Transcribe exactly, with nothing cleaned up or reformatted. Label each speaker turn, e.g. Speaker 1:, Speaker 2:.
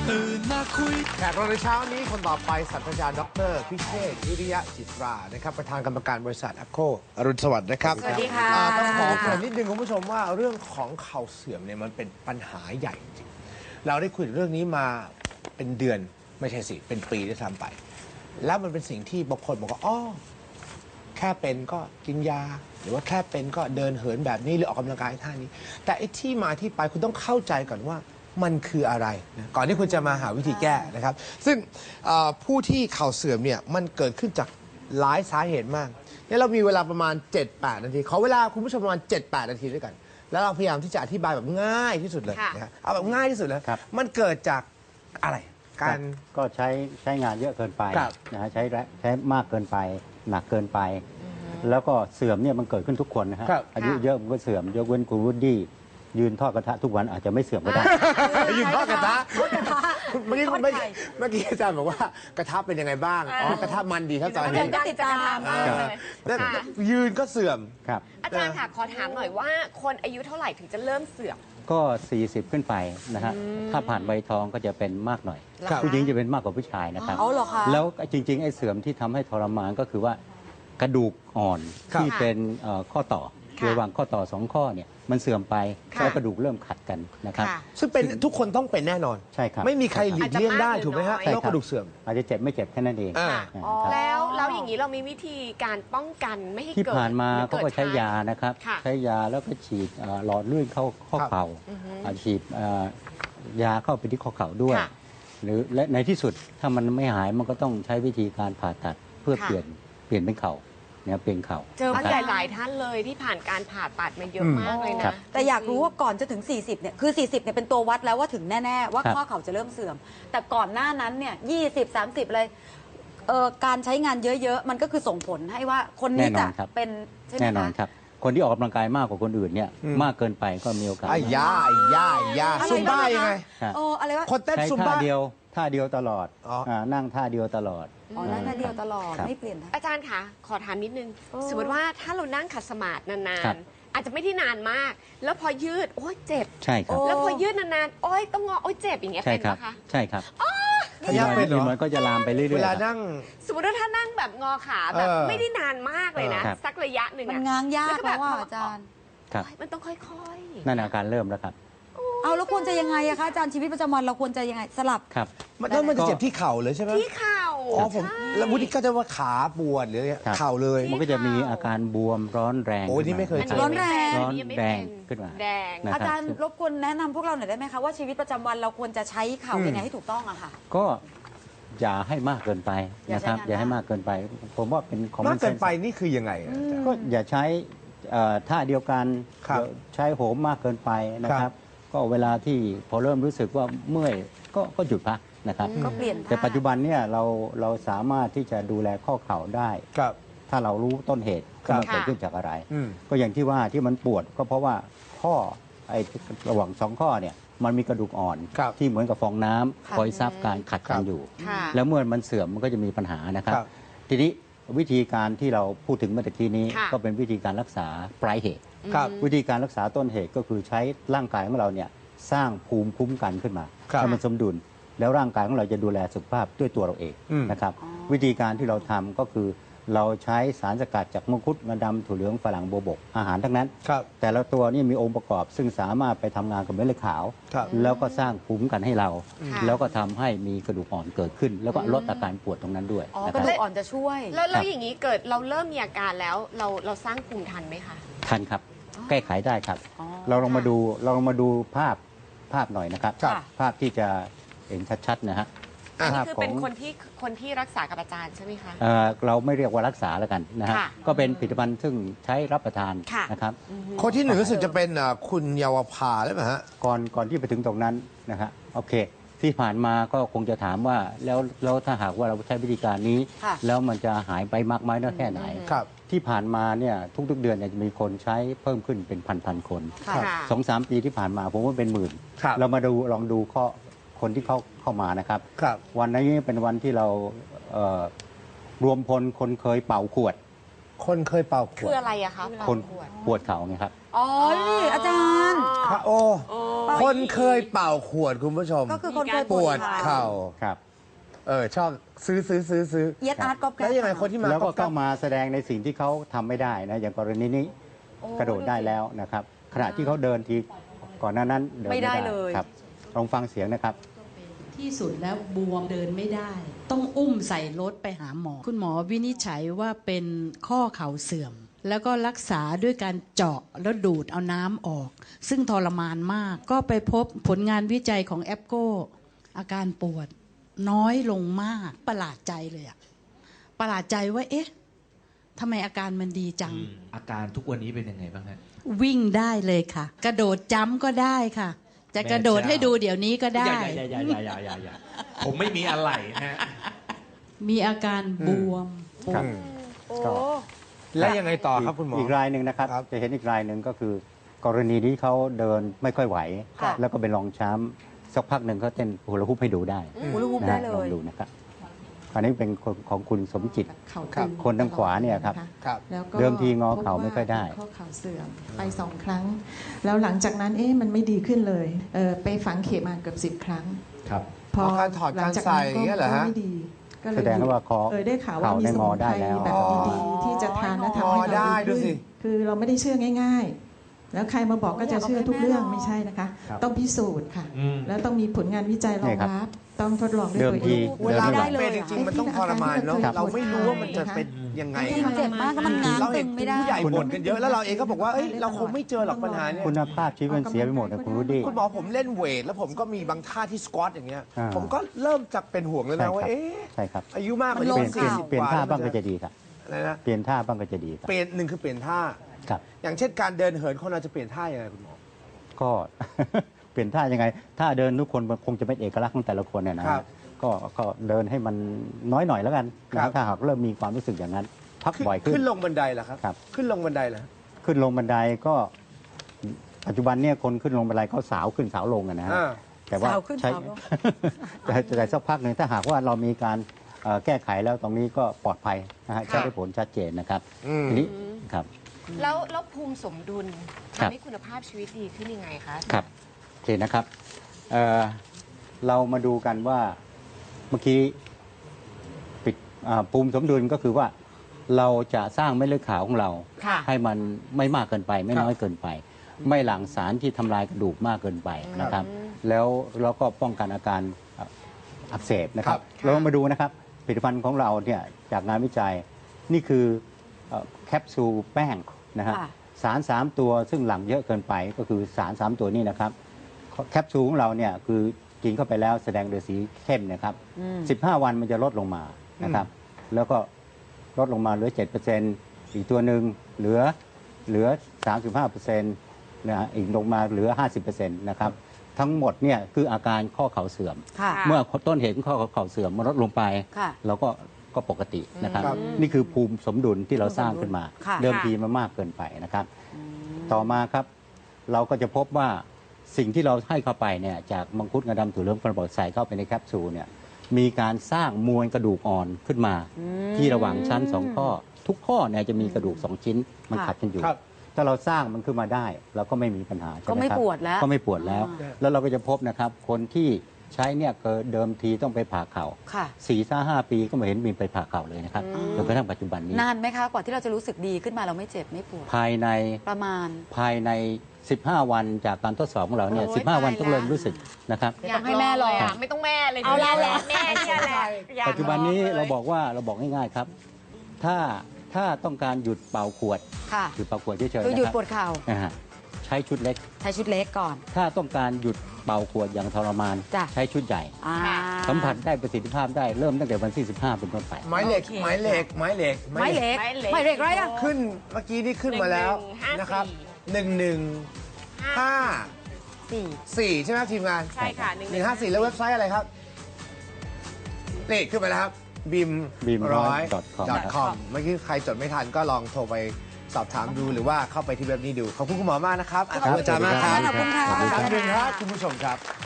Speaker 1: ตื่นมาคุย
Speaker 2: แขกรับในเช้านี้คนต่อไปศาสตราจารย์ดรพิเชษฐ์วิริยะจิตรานะครับประธานกรรมการบริษัทแอคโคอรุณสวัสดิ์นะครับ
Speaker 3: สวัสดีค่ะ
Speaker 2: ต้องขอเกริ่นนิดนึงคุณผู้ชมว่าเรื่องของเข่าเสื่อมเนี่ยมันเป็นปัญหาใหญ่จริงเราได้คุยเรื่องนี้มาเป็นเดือนไม่ใช่สิเป็นปีที่ทำไปแล้วมันเป็นสิ่งที่บางคนบอกว่าอ๋อแค่เป็นก็กินยาหรือว่าแค่เป็นก็เดินเหินแบบนี้หรือออกกำลังกายท่านี้แต่ไอ้ที่มาที่ไปคุณต้องเข้าใจก่อนว่ามันคืออะไรนะก่อนที่คุณจะมาหาวิธีแก้นะครับซึ่งผู้ที่เข่าเสื่อมเนี่ยมันเกิดขึ้นจากหลายสาเหตุมากเนี่ยเรามีเวลาประมาณ เจ็ดแปด นาทีขอเวลาคุณผู้ชมประมาณ เจ็ดแปด นาทีด้วยกันแล้วเราพยายามที่จะอธิบายแบบง่ายที่สุดเลยนะครับเอาแบบง่ายที่สุดเลยมันเกิดจากอะไรการ
Speaker 4: ก็ใช้ใช้งานเยอะเกินไปนะฮะใช้ใช้มากเกินไปหนักเกินไปแล้วก็เสื่อมเนี่ยมันเกิดขึ้นทุกคนนะฮะอายุเยอะมันก็เสื่อมยกเว้นคุณวูดดี้ยืนทอดกระทะทุกวันอาจจะไม่เสื่อมก็ได้
Speaker 2: ยืนทอดกระทะเมื่อกี้เมื่อกี้อาจารย์บอกว่ากระทะเป็นยังไงบ้างอ๋อกระทะมันดีครับตอนนี้
Speaker 3: ติดตามมากเลย
Speaker 2: ยืนก็เสื่อม
Speaker 4: ครับ
Speaker 3: อาจารย์ค่ะขอถามหน่อยว่าคนอายุเท่าไหร่ถึงจะเริ่มเสื่อม
Speaker 4: ก็สี่สิบขึ้นไปนะฮะถ้าผ่านใบทองก็จะเป็นมากหน่อยผู้หญิงจะเป็นมากกว่าผู้ชายนะครับแล้วจริงๆไอ้เสื่อมที่ทำให้ทรมานก็คือว่ากระดูกอ่อนที่เป็นข้อต่อระหว่างข้อต่อสองข้อเนี่ยมันเสื่อมไปแล้วกระดูกเริ่มขัดกันนะครับ
Speaker 2: ซึ่งเป็นทุกคนต้องเป็นแน่นอน
Speaker 4: ใช่ครับ
Speaker 2: ไม่มีใครหลีกเลี่ยงได้ถูกไหมฮะโรคกระดูกเสื่อม
Speaker 4: อาจจะเจ็บไม่เจ็บแค่นั้นเอง
Speaker 3: แล้วแล้วอย่างนี้เรามีวิธีการป้องกันไม่ให้เกิด
Speaker 4: ที่ผ่านมาเขาก็ใช้ยานะครับใช้ยาแล้วก็ฉีดหลอดเลือดเข้าข้อเข่าฉีดยาเข้าไปที่ข้อเข่าด้วยหรือและในที่สุดถ้ามันไม่หายมันก็ต้องใช้วิธีการผ่าตัดเพื่อเปลี่ยนเปลี่ยนเป็นเข่าเนี่ยเปลี่ยนเข่า
Speaker 3: เจอหลายหลายท่านเลยที่ผ่านการผ่าตัดมาเยอะมากเลยนะ
Speaker 5: แต่อยากรู้ว่าก่อนจะถึงสี่สิบเนี่ยคือสี่สิบเนี่ยเป็นตัววัดแล้วว่าถึงแน่ๆว่าข้อเข่าจะเริ่มเสื่อมแต่ก่อนหน้านั้นเนี่ยยี่สิบ สามสิบเลยเอ่อการใช้งานเยอะๆมันก็คือส่งผลให้ว่าคนนี้จะเป็นใช่ไหมคะ
Speaker 4: แน่นอนครับคนที่ออกกำลังกายมากกว่าคนอื่นเนี่ยมากเกินไปก็มีโอกาส
Speaker 2: ไอ้ยาไอ้ยาไอ้ยาซุมบ้ายังไง
Speaker 5: โอ้อะไรวะ
Speaker 2: คนเต้นซุมบ้า
Speaker 4: เดียวท่าเดียวตลอดนั่งท่าเดียวตลอด
Speaker 5: อ๋อนั่งท่าเดียวตลอดไม่เปลี่ยน
Speaker 3: อาจารย์คะขอถามนิดนึงสมมติว่าถ้าเรานั่งขัดสมาธินานๆอาจจะไม่ได้นานมากแล้วพอยืดโอ้ยเจ็บ
Speaker 4: ใช่ครับ
Speaker 3: แล้วพอยืดนานๆโอ้ยต้องงอโอ้ยเจ็บอย่างเงี้ยเป็นไหมคะ
Speaker 4: ใช่ครับ
Speaker 2: นี่
Speaker 4: เป็นมันก็จะลามไปเรื่อยๆ
Speaker 2: เวลานั่ง
Speaker 3: สมมติว่าถ้านั่งแบบงอขาแบบไม่ได้นานมากเลยนะสักระยะหนึ่ง
Speaker 5: มันง้างยากแล้วว่าอาจารย์
Speaker 3: มันต้องค่อย
Speaker 4: ๆนั่นอาการเริ่มแล้วครับ
Speaker 5: เอาแล้วควรจะยังไงอะคะอาจารย์ชีวิตประจำวันเราควรจะยังไงสลับ
Speaker 4: ครับ
Speaker 2: มันต้องมันจะเจ็บที่เข่าเลยใช่ไหม
Speaker 3: ที่เข่า
Speaker 2: อ๋อผมแล้ววุฒิก็จะว่าขาปวดหรือเข่าเลย
Speaker 4: มันก็จะมีอาการบวมร้อนแรง
Speaker 2: โอ้นี่ไม่เคยเจอ
Speaker 5: ร้อนแรง
Speaker 4: ร้อนแรงขึ้นมา
Speaker 3: แดง
Speaker 5: อาจารย์รบกวนแนะนำพวกเราหน่อยได้ไหมคะว่าชีวิตประจำวันเราควรจะใช้เข่ายังไงให้ถูกต้องอะค่ะ
Speaker 4: ก็อย่าให้มากเกินไปนะครับอย่าให้มากเกินไปผมว่าเป็นของ
Speaker 2: มากเกินไปนี่คือยังไง
Speaker 4: ก็อย่าใช้ท่าเดียวกันใช้โหมมากเกินไปนะครับก็เวลาที่พอเริ่มรู้สึกว่าเมื่อยก็ก็หยุดพักนะครับ
Speaker 5: ก็เปลี่ยน
Speaker 4: แต่ปัจจุบันเนี่ยเราเราสามารถที่จะดูแลข้อเข่าได้ถ้าเรารู้ต้นเหตุว่ามันเกิดขึ้นจากอะไรก็อย่างที่ว่าที่มันปวดก็เพราะว่าข้อไอ้ระหว่างสองข้อเนี่ยมันมีกระดูกอ่อนที่เหมือนกับฟองน้ำคอยซับการขัดกันอยู่แล้วเมื่อมันเสื่อมมันก็จะมีปัญหานะครับทีนี้วิธีการที่เราพูดถึงเมื่อกี้นี้ก็เป็นวิธีการรักษาปลายเหตุวิธีการรักษาต้นเหตุก็คือใช้ร่างกายของเราเนี่ยสร้างภูมิคุ้มกันขึ้นมาให้มันสมดุลแล้วร่างกายของเราจะดูแลสุขภาพด้วยตัวเราเองนะครับวิธีการที่เราทำก็คือเราใช้สารสกัดจากมังคุดงาดำถั่วเหลืองฝรั่งโบวบกอาหารทั้งนั้นแต่ละตัวนี่มีองค์ประกอบซึ่งสามารถไปทำงานกับเม็ดเลือดขาวแล้วก็สร้างภูมิคุ้มกันให้เราแล้วก็ทำให้มีกระดูกอ่อนเกิดขึ้นแล้วก็ลดอาการปวดตรงนั้นด้วย
Speaker 5: กระดูกอ่อนจะช่วย
Speaker 3: แล้วอย่างนี้เกิดเราเริ่มมีอาการแล้วเราเราสร้างภูมิทันไหมคะ
Speaker 4: ทันครับแก้ไขได้ครับเราลองมาดูเราลองมาดูภาพภาพหน่อยนะครับภาพที่จะเห็นชัดๆนะฮะ
Speaker 3: นี่คือเป็นคนที่คนที่รักษากับอาจารย์ใช่ไหมคะ
Speaker 4: เราไม่เรียกว่ารักษาแล้วกันนะฮะก็เป็นผลิตภัณฑ์ซึ่งใช้รับประทานนะครับ
Speaker 2: คนที่หนึ่งรู้สึกจะเป็นคุณเยาวภาใช่ไหมฮะ
Speaker 4: ก่อนก่อนที่ไปถึงตรงนั้นนะฮะโอเคที่ผ่านมาก็คงจะถามว่าแล้วแล้วถ้าหากว่าเราใช้วิธีการนี้แล้วมันจะหายไปมากไหมน้อยแค่ไหนที่ผ่านมาเนี่ยทุกๆเดือนจะมีคนใช้เพิ่มขึ้นเป็นพันๆคนสองสามปีที่ผ่านมาผมว่าเป็นหมื่นเรามาดูลองดูข้อคนที่เข้าเข้ามานะครับวันนี้เป็นวันที่เรารวมพลคนเคยเป่าขวด
Speaker 2: คนเคยเป่าข
Speaker 3: คื
Speaker 2: ว
Speaker 3: อ
Speaker 2: ด
Speaker 3: อะไรอะคะเวลา
Speaker 4: คน
Speaker 3: ขวด
Speaker 4: ปวดเข่าไงครับ
Speaker 5: อ๋อนี่อาจารย์
Speaker 2: พระโอ คนเคยเป่าขวดคุณผู้ชม
Speaker 5: ก็คือคนเคย
Speaker 2: ปวดเข่า
Speaker 4: ครับ
Speaker 2: เออชอบซื้อซื้อซื้อซื้อ
Speaker 5: เอียดอาร์ตก๊อปแก๊
Speaker 2: แล้ว
Speaker 5: ป
Speaker 2: ยังไงคนที่มา
Speaker 4: แล้วก็
Speaker 2: ก๊
Speaker 4: ต้
Speaker 2: อ
Speaker 4: อง
Speaker 2: ป
Speaker 4: มาแสดงในสิ่งที่เขาทำไม่ได้นะอย่างกรณีนี้กระโดดได้แล้วนะครับ ขณะที่เขาเดินทีก่อนหน้านั้นเดิน
Speaker 5: ไม่
Speaker 4: ไม่
Speaker 5: ได้
Speaker 4: ได้
Speaker 5: เลย
Speaker 4: ครับลองฟังเสียงนะครับ
Speaker 1: ที่สุดแล้วบวมเดินไม่ได้ ต้องอุ้มใส่รถไปหาหมอ คุณหมอวินิจฉัยว่าเป็นข้อเข่าเสื่อม แล้วก็รักษาด้วยการเจาะแล้วดูดเอาน้ำออก ซึ่งทรมานมาก ก็ไปพบผลงานวิจัยของแอปโกอาการปวดน้อยลงมากประหลาดใจเลยอะประหลาดใจว่าเอ๊ะทำไมอาการมันดีจัง
Speaker 6: อาการทุกวันนี้เป็นยังไงบ้างฮะ
Speaker 1: วิ่งได้เลยค่ะ กระโดดจ้ำก็ได้ค่ะ จะกระโดดให้ดูเดี๋ยวนี้ก็ได้
Speaker 6: อย่าอย่าอย่าอย่าอย่าอย่าอย่าผมไม่มีอะไรฮะ
Speaker 1: มีอาการบวมปว
Speaker 4: ครั
Speaker 1: ด
Speaker 4: บ
Speaker 3: โอ้
Speaker 4: ก็
Speaker 2: แล้วยังไงต่อครับคุณหมอ
Speaker 4: อีกรายหนึ่งนะครับ
Speaker 2: ครับ
Speaker 4: จะเห็นอีกรายหนึ่งก็คือ กรณีที่เขาเดินไม่ค่อยไหว
Speaker 5: ค่ะ
Speaker 4: แล้วก็เป็นรองช้ำสักพักหนึ่งเขาเต้นฮูลาฮูปให้ดูได้
Speaker 5: ฮูลาฮูป
Speaker 4: นะ
Speaker 5: ได้
Speaker 4: ฮะ
Speaker 5: เล
Speaker 4: ลอง
Speaker 5: ย
Speaker 4: ดูนะครับอันนี้เป็นคนของคุณสมจิต
Speaker 7: เข่า
Speaker 2: ครั
Speaker 7: ตึ
Speaker 2: บ
Speaker 7: ง
Speaker 4: คนทางขวาเนี่ยครับ
Speaker 7: ะะ
Speaker 2: ครับ
Speaker 7: แล้วก็
Speaker 4: เดิมทีงอเข่าไม่ค่อยได้
Speaker 7: พบว่าเป็นข้อเข่าเสื่อมไปสองครั้ง แล้วหลังจากนั้นเอ๊ะมันไม่ดีขึ้นเลยเออไปฝังเข็มมาเกือบสิบครั้ง
Speaker 6: ครับ
Speaker 7: พอ
Speaker 2: อ๋อการถอด
Speaker 7: หลังจาก
Speaker 2: การใส่
Speaker 7: นั้น
Speaker 2: อย่างเงี้ยเหรอฮะ
Speaker 7: ก็ไม่ดีก็เลย
Speaker 4: แสดงว่าคอ
Speaker 7: เออได้ข่าวว่า
Speaker 4: เข่า
Speaker 7: มี
Speaker 4: ได้
Speaker 7: ส
Speaker 4: ง
Speaker 7: มุ
Speaker 4: อน
Speaker 7: ไพ
Speaker 4: ได้
Speaker 7: ร
Speaker 4: แล้ว
Speaker 7: แบบ
Speaker 2: อ๋อ
Speaker 7: ดีๆที่จะทานและทำ
Speaker 2: อ๋อ
Speaker 7: ให้
Speaker 2: ได้
Speaker 7: เรา
Speaker 2: ดู
Speaker 7: ดี
Speaker 2: สิ
Speaker 7: ขึ้นคือเราไม่ได้เชื่อง่าย ๆ แล้วใครมาบอกก็จะเชื่อทุกเรื่องไม่ใช่นะคะ
Speaker 6: ครับ
Speaker 7: ต้องพิสูจน์ค่ะ
Speaker 6: อืม
Speaker 7: แล้วต้องมีผลงานวิจัยรองรับ ต้องทดลองด้วย
Speaker 4: เดิม
Speaker 7: ตัว
Speaker 4: ที
Speaker 7: เอง
Speaker 2: เวลา
Speaker 4: เดินไม่
Speaker 2: มัน
Speaker 4: ไหว
Speaker 2: เป็นจริงๆ มันต้องทรมานเนาะ
Speaker 7: ครับ
Speaker 2: เราไม่รู้ว่ามันจะเป็นยังไง
Speaker 5: จริงๆเจ็บมากก็มันง้าง
Speaker 2: เรา
Speaker 5: ตึ
Speaker 2: เห็น
Speaker 5: งไม่ได้
Speaker 2: ผู้ใหญ่บ่นกันเยอะแล้วเราเองก็บอกว่าเอ้ยเราคงไม่เจอหรอกปัญหาเนี่ย
Speaker 4: คุณภาพชีวิตมันเสียไปหมดนะคุณรู้ดี
Speaker 2: คุณหมอผมเล่นเวท แล้วผมก็มีบางท่าที่สควอตอย่างเงี้ย
Speaker 4: อ่า
Speaker 2: ผมก็เริ่มจากเป็นห่วงแล้วนะว่า
Speaker 4: ใช่ครับ
Speaker 2: เอ๊ะ
Speaker 4: ใช่ครับ
Speaker 2: อายุมากกว่า
Speaker 5: มันล
Speaker 4: เป
Speaker 5: ง
Speaker 4: ลี่ยนเปลี่ยน
Speaker 2: สี่สิบ
Speaker 4: เปลี่ยน
Speaker 2: กว่
Speaker 4: ท่าบ้าง
Speaker 2: แล้
Speaker 4: ก็
Speaker 2: ว
Speaker 4: จะดีครับ
Speaker 2: อะไรนะ
Speaker 4: เปลี่ยนท่าบ้างก็จะดีครับ
Speaker 2: เปลี่ยนหนึ่งคือเปลี่ยนท่า
Speaker 4: ครับ
Speaker 2: อย่างเช่นการเดินเหินคนเราจะเปลี่ยนท่ายังไงคุณหมอ
Speaker 4: ก็ เปลี่ยนท่ายังไงท่าเดินทุกคนมันคงจะเป็นเอกลักษณ์ของแต่ละคนเนี่ยนะครับ ก็ก็เดินให้มันน้อยหน่อยแล้วกันนะครับ ถ้าหากเริ่มมีความรู้สึกอย่างนั้น พัก
Speaker 2: ขึ้น
Speaker 4: บ่อยขึ้น
Speaker 2: ขึ้นลงบันไดเหรอครับ
Speaker 4: ครับ
Speaker 2: ขึ้นลงบันไดเหรอ
Speaker 4: ขึ้นลงบันไดก็ ปัจจุบันเนี่ยคนขึ้นลงบันไดเขาสาวขึ้นสาวลงอะนะฮะ
Speaker 2: อ่า
Speaker 4: แต่ว่า
Speaker 5: สาวขึ้น
Speaker 4: ใช้
Speaker 5: สาวลง
Speaker 4: แต่แต่สักพักหนึ่งถ้าหากว่าเรามีการเอ่อแก้ไขแล้วตรงนี้ก็ปลอดภัยนะฮะใช้ได้ผลชัดเจนนะครับ
Speaker 2: อืม
Speaker 4: ทีนี้ครับ
Speaker 3: แล้วแล้วภูมิสมดุล
Speaker 4: ครับ
Speaker 3: ทำให้คุณภาพชีวิตดีขึ้นยังไงคะ
Speaker 4: ครับโอเคนะครับเอ่อเรามาดูกันว่าเมื่อกี้ปิดอ่าภูมิสมดุลก็คือว่าเราจะสร้างเม็ดเลือดขาวของเรา
Speaker 3: ค่ะ
Speaker 4: ให้มันไม่มากเกินไป ไม่น้อยเกินไป ไม่หลั่งสารที่ทำลายกระดูกมากเกินไปนะครับ แล้วเราก็ป้องกันอาการอ่ะอักเสบนะครับ
Speaker 2: ครับ
Speaker 4: เรามาดูนะครับผลิตภัณฑ์ของเราเนี่ยจากงานวิจัยนี่คือเอ่อแคปซูลแป้งนะฮะ
Speaker 5: ค่ะ
Speaker 4: สารสามตัวซึ่งหลั่งเยอะเกินไปก็คือสารสามตัวนี้นะครับแคปซูลของเราเนี่ยคือกินเข้าไปแล้วแสดงโดยสีเข้มนะครับ
Speaker 5: อืม
Speaker 4: สิบห้า วันมันจะลดลงมานะครับ แล้วก็ลดลงมาเหลือ เจ็ดเปอร์เซ็นต์ อีกตัวหนึ่งเหลือเหลือ สามสิบห้าเปอร์เซ็นต์ นะฮะอีกลงมาเหลือ ห้าสิบเปอร์เซ็นต์ นะครับ ทั้งหมดเนี่ยคืออาการข้อเข่าเสื่อม
Speaker 5: ค่ะ
Speaker 4: เมื่อต้นเหตุของข้อเข่าเสื่อมมันลดลงไป
Speaker 5: ค่ะ
Speaker 4: เราก็ก็ปกตินะครับ
Speaker 2: ครับ
Speaker 4: นี่คือภูมิสมดุลที่เราสร้างขึ้นมา
Speaker 5: ค่ะ
Speaker 4: เดิมทีมันมากเกินไปนะครับ ต่อมาครับ เราก็จะพบว่าสิ่งที่เราให้เข้าไปเนี่ยจากมังคุดงาดำถั่วเหลืองกระบอกใส่เข้าไปในแคปซูลเนี่ยมีการสร้างมวลกระดูกอ่อนขึ้นมา ที่ระหว่างชั้นสองข้อ ทุกข้อเนี่ยจะมีกระดูกสองชิ้นมัน
Speaker 5: ค่ะ
Speaker 4: ขัดกันอยู่
Speaker 2: ครับ
Speaker 4: ถ้าเราสร้างมันขึ้นมาได้เราก็ไม่มีปัญหาใช่ห
Speaker 5: ก็ไม่
Speaker 4: ครับ
Speaker 5: ปวดแล้ว
Speaker 4: ก็ไม่ปวดแล้ว
Speaker 5: อ่า
Speaker 4: แล้วเราก็จะพบนะครับ คนที่ใช้เนี่ยเกิดเดิมทีต้องไปผ่าเข่า
Speaker 5: ค่ะ
Speaker 4: สี่ห้าห้าปีก็ไม่เห็นมีไปผ่าเข่าเลยนะครับจนกระทั่งปัจจุบันนี้
Speaker 5: นานไหมคะ กว่าที่เราจะรู้สึกดีขึ้นมาเราไม่เจ็บไม่ปวด
Speaker 4: ภายใน
Speaker 5: ประมาณ
Speaker 4: ภายใน สิบห้า วันจากการทดสอบของเราเนี่ย
Speaker 3: โอ้ย
Speaker 4: สิบห้า วัน
Speaker 3: ตาย
Speaker 4: ต้องเริ่ม
Speaker 3: แล้ว
Speaker 4: รู้สึกนะครับ
Speaker 5: เดี๋ยวต้องให้แม่ลอง
Speaker 3: ยากะไม่ต้องแม่เลย
Speaker 5: เอาเราแหละ
Speaker 3: แม่เนี่ยแหละอยาก
Speaker 4: ปัจจุบันนี้
Speaker 3: ลองลย
Speaker 4: เราบอกว่าเราบอกง่ายๆครับ ถ้าถ้าต้องการหยุดเป่าขวด
Speaker 5: ค่ะ
Speaker 4: หยุดเป่าขวดเฉยๆ
Speaker 5: คือ
Speaker 4: นะ
Speaker 5: หยุด
Speaker 4: ครับ
Speaker 5: ปวดเข่า
Speaker 4: นะฮะใช้ชุดเล็ก
Speaker 5: ใช้ชุดเล็กก่อน
Speaker 4: ถ้าต้องการหยุดเป่าขวดอย่างทรมาน
Speaker 5: จ้ะ
Speaker 4: ใช้ชุดใหญ่
Speaker 5: อ่า
Speaker 4: สัมผัสได้ประสิทธิภาพได้เริ่มตั้งแต่วันที่สิบห้าเป็นต้นไป
Speaker 2: ไม้เหล็ก
Speaker 5: โอเค
Speaker 2: ไม้เหล็ก ไม้เหล็ก
Speaker 5: ไม้เหล็ก
Speaker 3: ไม้เหล็ก
Speaker 5: ไม้เหล็กไรอะ
Speaker 2: ขึ้นเมื่อกี้นี่ขึ้นมาแล้ว
Speaker 3: หนึ่งหนึ่งห้า
Speaker 2: นะครับ
Speaker 3: สี่
Speaker 2: หนึ่งหนึ่งห้า
Speaker 5: สี่
Speaker 2: สี่ใช่ไหมครับทีมงาน
Speaker 3: ใช่ค่ะ
Speaker 2: หนึ่งห้าสี่แล้วเว็บไซต์อะไรครับนี่ขึ้นไปแล้วครับบิม
Speaker 4: บีม
Speaker 2: ร้อย
Speaker 4: .com ครับ
Speaker 2: .com เมื่อกี้ใครจดไม่ทันก็ลองโทรไปสอบถามดูหรือว่าเข้าไปที่เว็บนี้ดู ขอบคุณคุณหมอมากนะครับขอบคุณอาจารย์มากครับ
Speaker 5: ขอบคุณค่ะ
Speaker 2: ขอบคุณครับคุณผู้ชมครับ